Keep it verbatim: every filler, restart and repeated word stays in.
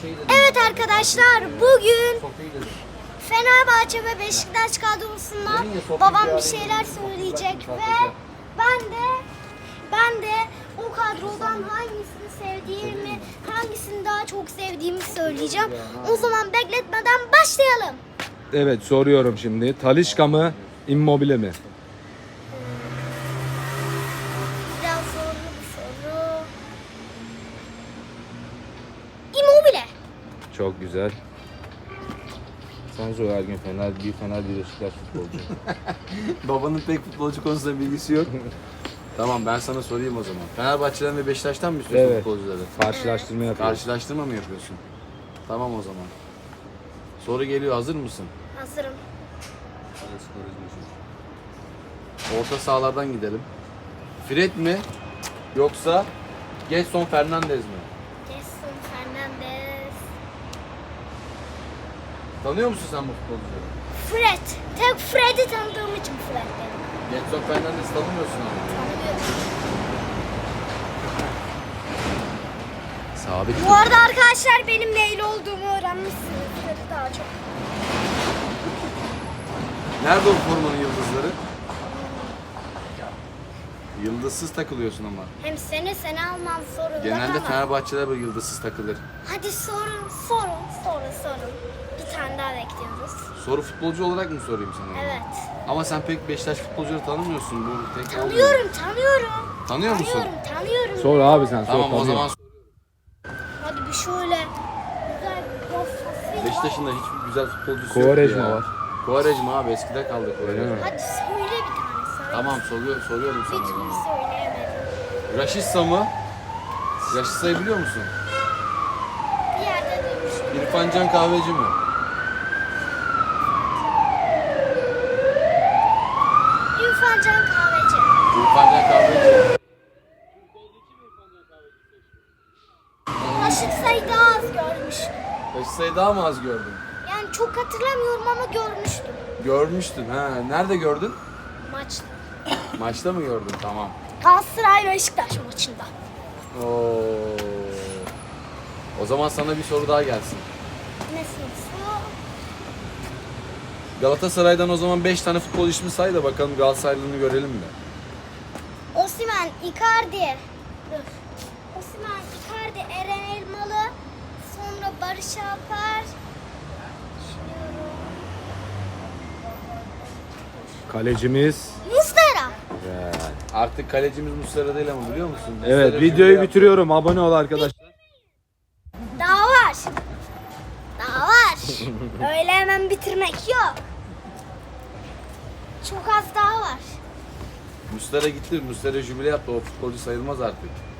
Evet arkadaşlar, bugün Fenerbahçe ve Beşiktaş kadrosundan babam bir şeyler söyleyecek ve ben de ben de o kadrodan hangisini sevdiğimi, hangisini daha çok sevdiğimi söyleyeceğim. O zaman bekletmeden başlayalım. Evet, soruyorum şimdi. Talisca mı, Immobile mi? Biraz zorlu bir soru. Immobile. Çok güzel. Sen söyle Ergin, Fener, bir Fener bir Beşiktaş futbolcu. Babanın pek futbolcu konusunda bilgisi yok. Tamam, ben sana sorayım o zaman. Fenerbahçe'den ve Beşiktaş'tan mı istiyorsun Evet. futbolcuları? Karşılaştırma yapıyoruz. Karşılaştırma mı yapıyorsun? Tamam o zaman. Soru geliyor, hazır mısın? Hazırım. Orta sahalardan gidelim. Fred mi yoksa Gedson Fernandez mi? Jason Fernandez. Tanıyor musun sen bu futbolcuları? Fred. Tek Fred'i tanıdığım için Fred dedim. Gedson Fernandez tanımıyorsun ama. Tanıyorum. Sabit. Bu arada arkadaşlar benim neyli olduğumu öğrenmişsiniz. Daha çok. Nerede o formanın yıldızları? Yıldızsız takılıyorsun ama. Hem sene sene almam sorun. Genelde ama. Fenerbahçe'de böyle yıldızsız takılır. Hadi sorun, sorun, sorun, sorun. Bir tane daha bekliyoruz. Soru futbolcu olarak mı sorayım sana? Evet. Ama sen pek Beşiktaş futbolcuları tanımıyorsun. Bu tek olmuyor. Tanıyorum, tanıyorum. Tanıyor musun? Tanıyorum, tanıyorum. Sor abi sen, sor. Tamam o tabii. zaman. Hadi bir şöyle güzel bir profil. Beşiktaş'ın da hiçbir güzel futbolcusu yok Quaresma ya. var. Quaresma abi, eskide kaldı Öyle Quaresma. mi? Hadi söyle bir tane söyle. Tamam, soruyor, soruyorum Bir sana o türlü zaman. söyleyemedim. Raşitsa mı? Raşitsa'yı biliyor musun? Bir yerde duymuştum. İrfan Can Kahveci mi? İrfan Can Kahveci. İrfan Can Kahveci. Aşık sayı daha az görmüştüm. Raşitsa'yı daha mı az gördün? Yani çok hatırlamıyorum ama görmüştüm. Görmüştün ha. Nerede gördün? Maçta. Maçta mı gördün? Tamam. Galatasaray Beşiktaş maçında. Oo. O zaman sana bir soru daha gelsin. Ne sorusu? Galatasaray'dan o zaman beş tane futbol ismi say da bakalım Galatasaraylılığını görelim mi? Osimhen, Icardi. Dur. Osimhen, Icardi, Eren Elmalı. Sonra Barış Alper. Düşünüyorum. Kalecimiz. Muslera. Evet, Artık kalecimiz Muslera değil ama biliyor musun? evet Muslera videoyu şimdi bitiriyorum. Abone ol arkadaşlar. Daha var. Daha var. Öyle hemen bitirmek yok. Çok az daha var. Muslera gitti. Muslera jübile yaptı. O futbolcu sayılmaz artık.